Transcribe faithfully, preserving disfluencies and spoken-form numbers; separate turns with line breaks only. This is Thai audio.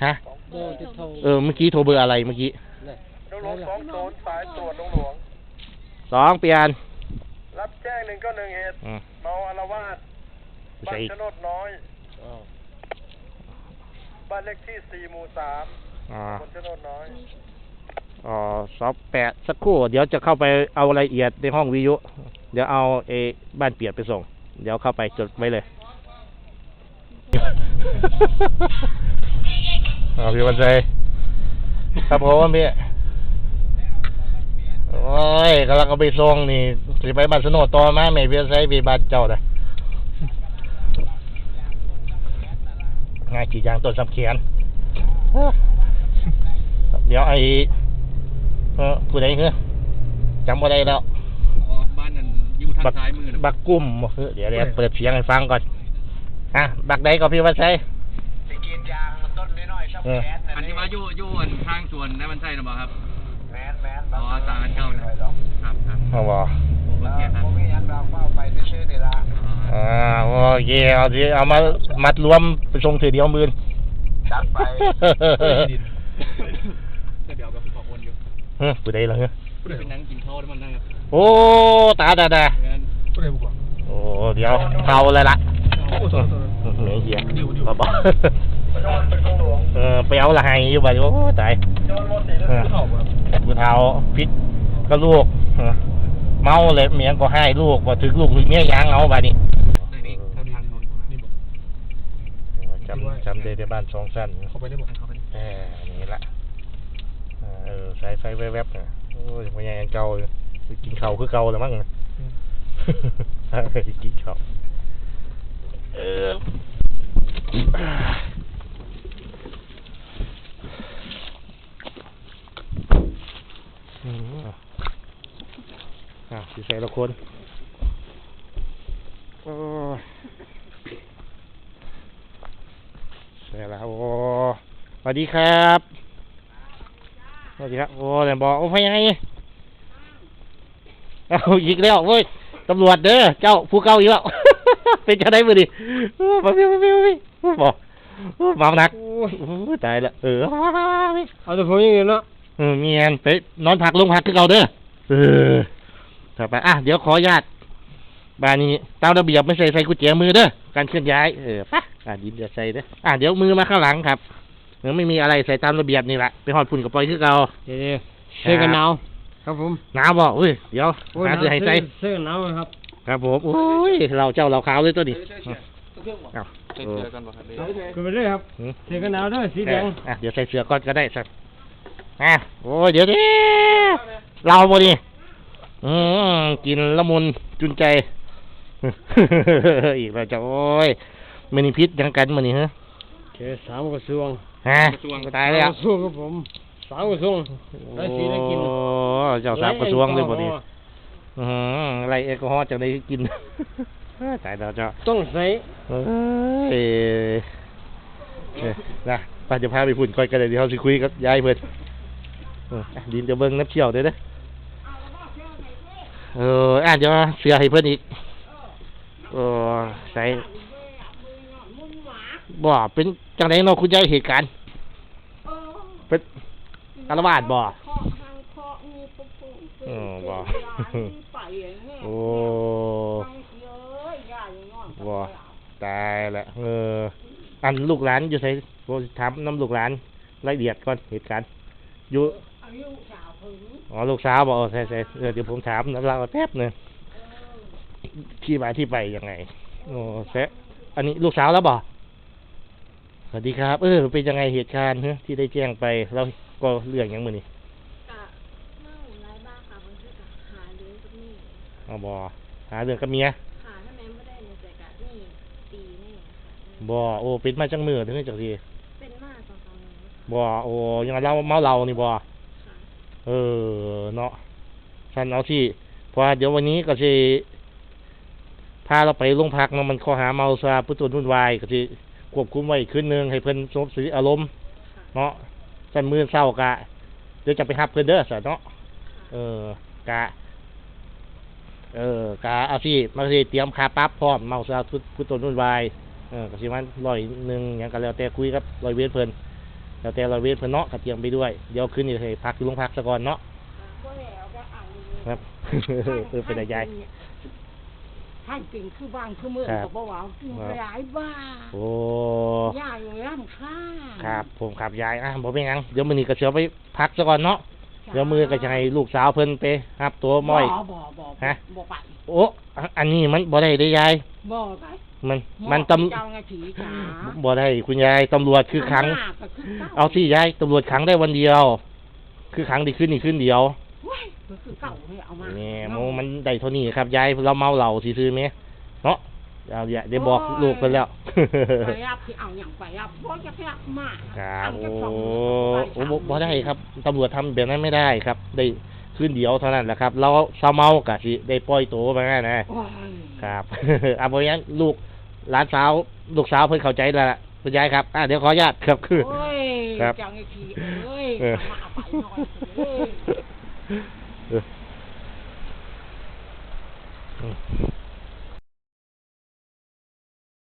ฮะเออเมื่อกี้โทรเบอร์อะไรเมื่อกี้
น้องหลวงสองโซนสายตรวจน้องหลวง
สองเปลี่ยน
รับแจ้งหนึ่งก็หนึ่งเหตุเมาอาละวาดบ้านชนดน้อยบ้านเลขที่สี่หมู่สามคนชนดน้อย
อ๋อสอบแปดสักครู่เดี๋ยวจะเข้าไปเอารายละเอียดในห้องวิทยุเดี๋ยวเอาเอบ้านเปียกไปส่งเดี๋ยวเข้าไปจดไว้เลยอ๋อพี่วันใจครับผมพี่โอ้ยกำลังเอาไปส่งนี่สิไปบ้านสนดต่อมาไม่พี่วันใจพี่บ้านเจ้าเลยง่ายจีจางต้นสำเขียนเดี๋ยวไอ้เออผู้ใดเหรอจำบ่ได้แล้ว
บ้านนั้นอยู่ทางซ้ายมือ
บักกุ้มเดี๋ยวเดี๋ยวเปิดเสียงให้ฟังก่อนอ่ะบักใดก็พี่วันชัย
สิกินยางต้นน้อยๆชอบแก๊ส
อันที่ว่าอยู่อยู่ทางสวนนั่นมันใช่หรือเปล่าครับ
แมนแมน
อ๋อตาเข้านะครับครับ
อ๋อบ่
โอเคครับผมมีอันเราเข้าไปชื่อนี่ละ
อ่าโอเคเอาสิเอามามัดรวมไปส่งถือเดียวมือ
จัดไป
เดี๋ยวกับขอคนอยู่
เฮ้ยผู้ใดล่ะเฮ้ย
เป็นนั่งกินข้าวได้มันนั่งครับ
โอ้ตาดาดาโอ้เดี๋ยวเท่าเลยล่ะเหนื่อยเหี้ยบ่บ่เออไปเอาละให้อยู่บ่โอ้ตายผู้เฒ่าพิษก็ลูกเมาเลยเมียก็ให้ลูกบ่ถึงลูกถึงเมียยางเอาบัดนี้จำจำได้ในบ้านสองสั้น
เข้าไปได้บ่เข้าไปได้
เออนี่ละเออใส่ใส่แวบๆน่ะโอ้ยบ่ยังเก่ากินข้าวคือเก่าแล้วมั้งกินข้าวเอออ่ะสิใส่ละคนโอ้ใส่แล้วโอ้สวัสดีครับสวัสดีครับโอ้แต่บอกโอ้ยยังไงเอาอีกแล้วเว้ยตำรวจเด้อเจ้าผู้เก่าอีกแล้วเป็นจะได้มือดิมาพี่มาพี่มาพี่บอกมาหนักตายละเออ
เอาแต่ผมยังไงเนาะ
เออเมียนไปนอนพักลงพักคือเก่าเด้อเออต่อไปอ่ะเดี๋ยวขออนุญาตบ้านนี้ตามระเบียบไม่ใส่ใส่กุญแจมือเด้อการเคลื่อนย้ายเออปะอ่ะดินจะใส่เด้ออ่ะเดี๋ยวมือมาข้างหลังครับเดี๋ยวไม่มีอะไรใส่ตามระเบียบนี่แหละไปหอดฝุ่นกับปล่อยคือเก่า
เดี๋ยวเสื้อกันหนาวครับผม
หนาวบ่เฮ้ยเดี๋ยวหาเสื้อให้ใส่
เสื้อกันหนาวครับ
ครับผมโอ้ยเราเจ้าเราขาวเลยตัวนี้
เอาใส่เสื้อกันบ่ครับก็ไปเลยครับเสื้อกันหนาวด้วยสีแดง
อ่ะเดี๋ยวใส่เสื้อก่อนก็ได้สักอ่ะโอ้ยเดี๋ยวดิเราบ่ดิอืมกินละมุนจุนใจอีกแล้วจ้ะโอ้ยไม่มีพิษยังกันมื้อนี้ฮะ
แค่สามกระทรวง
ฮะตายแล้ว
กระทรวงครับผมสามกระทรวงได้สีได้กิน
โอ้เจ้าสามกระทรวงเลยบ่ดิอืออะไรแอลกอฮอล์จังได้กินตายแล้วจ้ะ
ต้องใส่
เอ้ยนะป้าจะพาไปพุ่นก่อนกันเลยเดี๋ยวเฮาสิคุยกับยายเพิ่นดินจะเบิ่งน้ำเชี่ยวเด้อเด้อเอออ่ะเดี๋ยวเสือให้เพิ่นอีกเออใส่บ่เป็นจังได๋เนาะคุณยายเหตุการณ์เป็นอาละวาดบ่เออบ่โอ้บ่ตายละเอออันลูกหลานอยู่ไสบ่ถามนำลูกหลานรายละเอียดก่อนเหตุการณ์อยู่อ๋อลูกสาวบอกใช่ใช่เดี๋ยวผมถามแล้วเราแป๊บนึงที่มาที่ไปยังไงโอ้แซ่อันนี้ลูกสาวแล้วบอกสวัสดีครับเออเป็นยังไงเหตุการณ์เฮ้ที่ได้แจ้งไปแล้วก็เรื่องยังมือนี่
เมาหลายบ้าค่ะบางทีก็หาเรื่องกับนี่
อ๋อบอหาเรื่องกับเมีย
หาถ้าแม่ไม่ได้ในใจกะนี่ตีนี่
บอโอ้เป็นมาจังมือถึงจะที
เป็นมาสองสามมื
อบอโอ้ยังเราเมาเรานี่บอเออเนาะฉันเอาที่พอเดี๋ยววันนี้ก็จะพาเราไปโรงพักเนาะมันข้อหาเมาซาผู้ตุนวุ่นวายก็จะควบคุมไว้คืนนึงให้เพิ่นสงบสติอารมณ์เนาะฉันมือเศร้ากะเดี๋ยวจะไปหับเพิ่นเด้อสะเนาะเออกะเออกะเอาที่มาสิเตรียมค่าปรับพร้อมเมาซาผู้ตุนวุ่นวายเออก็สิมันร้อยนึงหยังก็แล้วแต่คุยกับร้อยเวรเพิ่นแล้วแต่เราเวทเพิ่นเนาะก็เตรียมไปด้วยเดี๋ยวคืนนี้ให้พักอยู่โรงพักซะก่อนเนาะ
ก็แล้วก็เอา
ครับ เออเป็นอะไรยาย
ท่านเก่งคือบ้านคือเมือง
ครับ
ก็บอกว่ากินหลายบ้า
โอ้
ย่าอยู่ร่ำค่า
ครับผมครับยายอ่ะบ่เป็นหยังเดี๋ยวมื้อนี้ก็สิเอาไปพักซะก่อนเนาะเดี๋ยวมื้อก็จะให้ลูกสาวเพิ่นไปรับตัวม้อย
บ่บ่บ่
ฮะ
บ่ไป
โอ้อันอันนี้มันบ่ได้เด้ยาย
บ่ไป
มันมันตำ
เจ้าหน้าที่จ๋า
บ่ได้คุณยายตำรวจคือขัง
หน้าก็คือเก่า
เอาที่ยายตำรวจขังได้วันเดียว คือขังได้ขึ้นนี่ขึ้นเดียว
เว้ยก็คือเก่าเลยเอามา
นี่โมมันได้เท่านี้ครับยายเราเมาเหล้าซื่อๆแม่เนาะเอาอย่าได้บอกลูกเพิ่นแล้ว
ไปรับที่เอาอย่างไปรับบ่จะรับมา
ครับ
เอา
โอ้
จะส่ง
โอ้บ่บ่ได้ครับตำรวจทำแบบนั้นไม่ได้ครับ ได้ขึ้นเดียวเท่านั้นแหละครับเราเศร้าเมากะสิได้ปล่อยตัวมานะ
โอ้ย
ครับ อ่ะเพราะงั้นลูกหลานสาวลูกสาวเพิ่นเข้าใจแล้วล่ะคุณยายครับอ่ะเดี๋ยวขออนุญาตครับคือ
โอ้ย
ครับ
เจ้าหน้าที่เอ้ย
เออ
เอามาเอาไปหน่อยเอ้ย
เออ